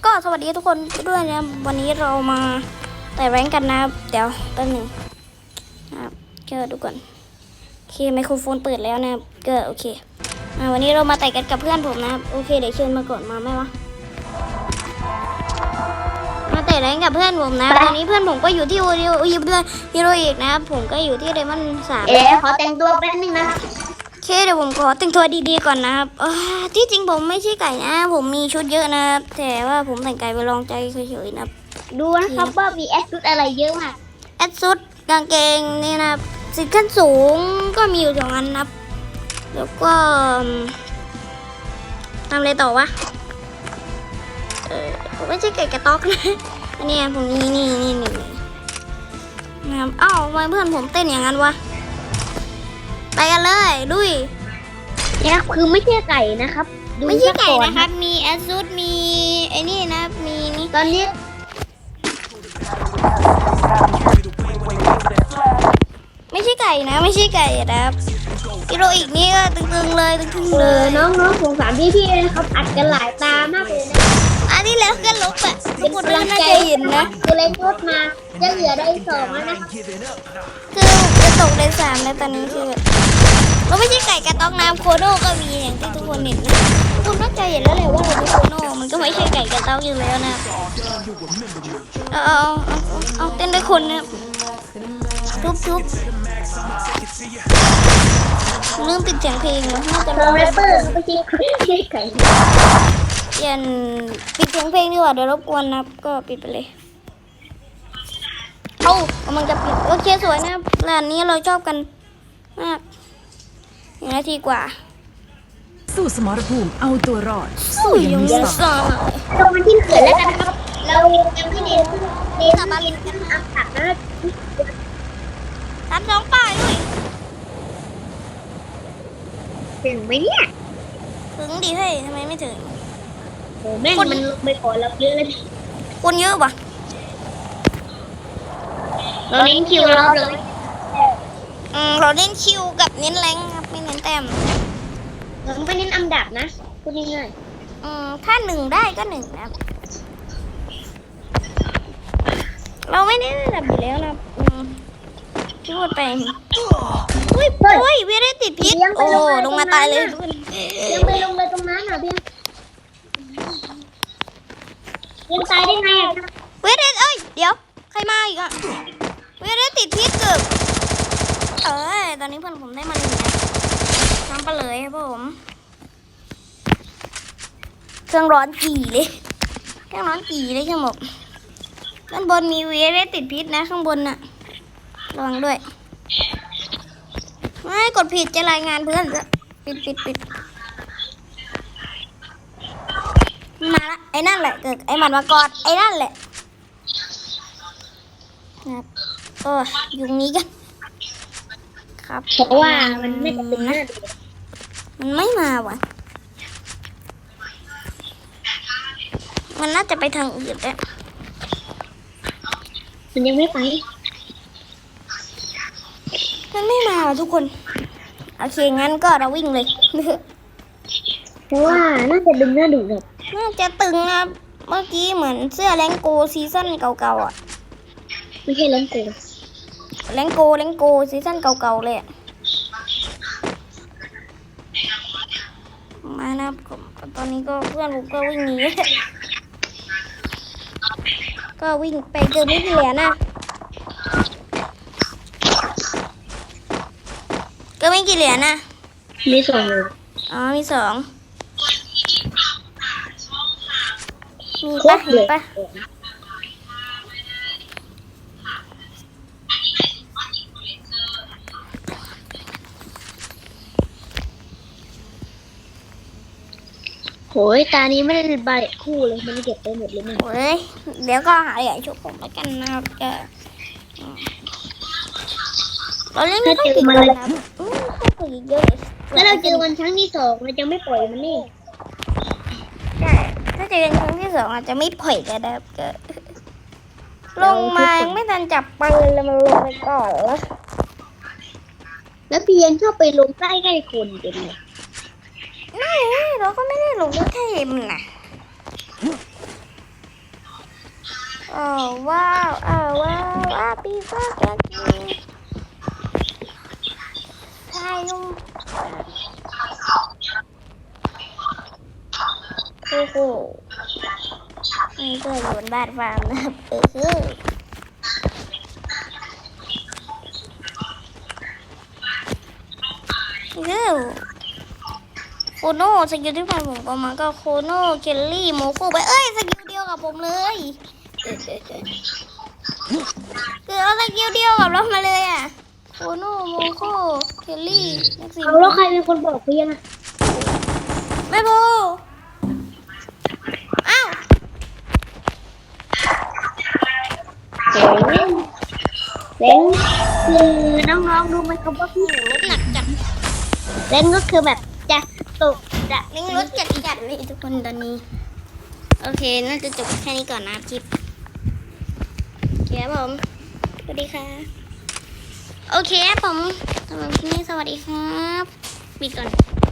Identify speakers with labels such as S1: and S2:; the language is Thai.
S1: ก็สวัสดีทุกคนด้วยนะวันนี้เรามาแต่แรงกันนะเดี๋ยวแป๊บหนึ่งนะครับก็ดูก่อนโอเคไมโครโฟนเปิดแล้วนะก็โอเควันนี้เรามาแต่กันกับเพื่อนผมนะโอเคเดี๋ยวเชิญมาก่อนมาไหมวะมาแต่แรงกับเพื่อนผมนะตอนนี้เพื่อนผมก็อยู่ที่ฮีโร่อีกนะครับผมก็อยู่ที่เดมอน3
S2: ขอแต่งตัวแป๊บนึงนะ
S1: โอเคเดี๋ยวผมขอแต่งตัวดีๆก่อนนะครับที่จริงผมไม่ใช่ไก่นะผมมีชุดเยอะนะครับแต่ว่าผมแต่งไก่ไปลองใจเฉยๆนะครับ
S2: ดูนะครับว่ามีแอดชุดอะไรเยอะมาก
S1: แอดชุดกางเกงนี่นะครับสิทธิ์ขั้นสูงก็มีอยู่2 อันนะครับแล้วก็ทำอะไรต่อวะผมไม่ใช่ไก่กระต๊อกนะอันนี้ผมนี่นะครับอ้าวทำไมเพื่อนผมเต้นอย่างนั้นวะไปกันเลยลุย
S2: เนี่ยคือไม่ใช่ไก่นะครับ
S1: ไม่ใช่ไก่นะครับมีแอดซูดมีไอ้นี่นะมีนี่
S2: ตอนนี้
S1: ไม่ใช่ไก่นะไม่ใช่ไก่นะครับกิโลอีกนี่ก็ตึงๆเลย
S2: น้องสงสารพี่ๆนะครับอัดกันหลายตามากเลยนะ
S1: อันนี้แล้วก็ลบอ่ะทุกคนน่าจะเห็นนะ
S2: คือเล่นรถมาจะเหลือได้2แล้วนะ
S1: คือจะตกได้3แล้วตอนนี้คือเราไม่ใช่ไก่กระต๊อกน้ำโคโน่ก็มีอย่างที่ทุกคนเห็นนะทุกคนน่าจะเห็นแล้วแหละว่าเราเป็นโคโน่มันก็ไม่ใช่ไก่กระต๊อกอยู่แล้วนะเอาเต้นด้วยคนนะทุบลืมปิดเสียงเพลงนะน่าจะ
S2: แรปเปอร์ไม่ใช่ไก่
S1: เปลี่ยนปิดเสียงเพลงดีกว่าเดี๋ยวรบกวนนะก็ปิดไปเลยมันจะปิดโอเคสวยนะร้านนี้เราชอบกันมาก1 นาทีกว่า
S3: สู้สมรภูมิเอาตัวรอด
S1: สู้ยังมีสอง
S2: ตรงที่เกิดแล้วกันครับเรายังไม่เน้นมาเรียนกันอักขัดนะ
S1: 32 ป้ายด้วย
S2: ถึงไหมเนี่ย
S1: ถึงดิเฮ้ยทำไมไม่ถึง
S2: โหแม่งมันลงไปก่อนเราเยอะเลย
S1: คนเยอะปะ
S2: เราเน้นคิวเราเลย
S1: เราเน้นคิวกับเน้นแรงครับไม่เน้นแต้ม
S2: เราไม่เน้นอันดับนะพูดง่าย
S1: ถ้า1ได้ก็1นะเราไม่ได้อันดับอยู่แล้วนะพูดไปอุ้ยเวียได้ติดพิษโอ้ลงมาตายเลย
S2: ยังไปลงเลยตรงนั้นอ่ะเพียงยังตายได้ไงอ่ะ
S1: เวียได้เดี๋ยวใครมาอีกอ่ะเวียได้ติดพิษเกือบตอนนี้เพื่อนผมได้มา1นะทำไปเลยครับผมเครื่องร้อนจีเลยเครื่องร้อนจีเลยช่างบอกด้านบนมีเวียได้ติดพิษนะข้างบนน่ะระวังด้วยไม่กดผิดจะรายงานเพื่อนจะปิดมาละไอ้นั่นแหละเกิดไอ้มันมากอดไอ้นั่นแหละครับอยู่นี้กันครับ
S2: เพราะว่ามันไม่กระตุ้นนะ
S1: มันไม่มาวะมันน่าจะไปทางอื่นแล้ว
S2: มันยังไม่ไป
S1: มันไม่มาทุกคนโอเคงั้นก็เราวิ่งเลย
S2: เพราะว่าน่าจะดึงหน้าดูแบบ
S1: น่าจะตึงนะเมื่อกี้เหมือนเสื้อแรงโกซีซั่นเก่าๆอ่ะ
S2: ไม่ใช่แรงโก
S1: ซีซั่นเก่าๆเลยมานะตอนนี้ก็เพื่อนผมก็วิ่งหนีก็วิ่งไปเจอไม่กี่เหรียญนะก็ไม่กี่เหรียญนะ
S2: มี2เลย
S1: มี2มีปะเห็นปะ
S2: โหยตานี้ไม่ได้ใบคู่เลยมันเก็บไปหมดเลยมั้ง
S1: โอ้ยเดี๋ยวก็หาเหรียญชุบผมแล้วกันนะครับเราเล่นไม่ต้องติดเลยครับต้องติดเยอะ
S2: แล้วเราเจอวันครั้งที่2เราจะไม่ปล่อยมันนี่
S1: ใช่ถ้าเจอกันครั้งที่2อาจจะไม่ปล่อยกันนะครับลงมายังไม่ทันจับปืนเลยมันลงไปก่อน
S2: แล้วเพียงชอบไปลงใกล้ๆคนเต็มเลย
S1: ไม่เราก็ไม่ได้ลงด้วยแค่มันนะอ้าวว้าวอ้าวว้าวอ้าวปีฟ้าแกกินใช่ลุงโอ้โหนี่ก็อยู่บนบ้านฟาร์มนะครับโคโน่สกิลที่ผ่านผมก็มาก็โคโน่เคลลี่โมโคไปเอ้ยสกิลเดียวกับผมเลยคือเอาสกิลเดียวกับเรามาเลยอ่ะโคโน่โมโคเคลลี่แม็กซิม
S2: เอาแล้วใครเป็นคนบอกพี่นะ
S1: ไม่พูอ้าว
S2: เล้งคือน้องๆดูไหมครับว่าพี่
S1: รถหนักจัด
S2: เล้งก็คือแบบจะตกจะ
S1: เร่งรถจัดเลยทุกคนตอนนี้โอเคน่าจะจบแค่นี้ก่อนนะคลิปโอเคครับผมสวัสดีค่ะโอเคครับผมสำหรับคลิปนี้สวัสดีครับปิดก่อน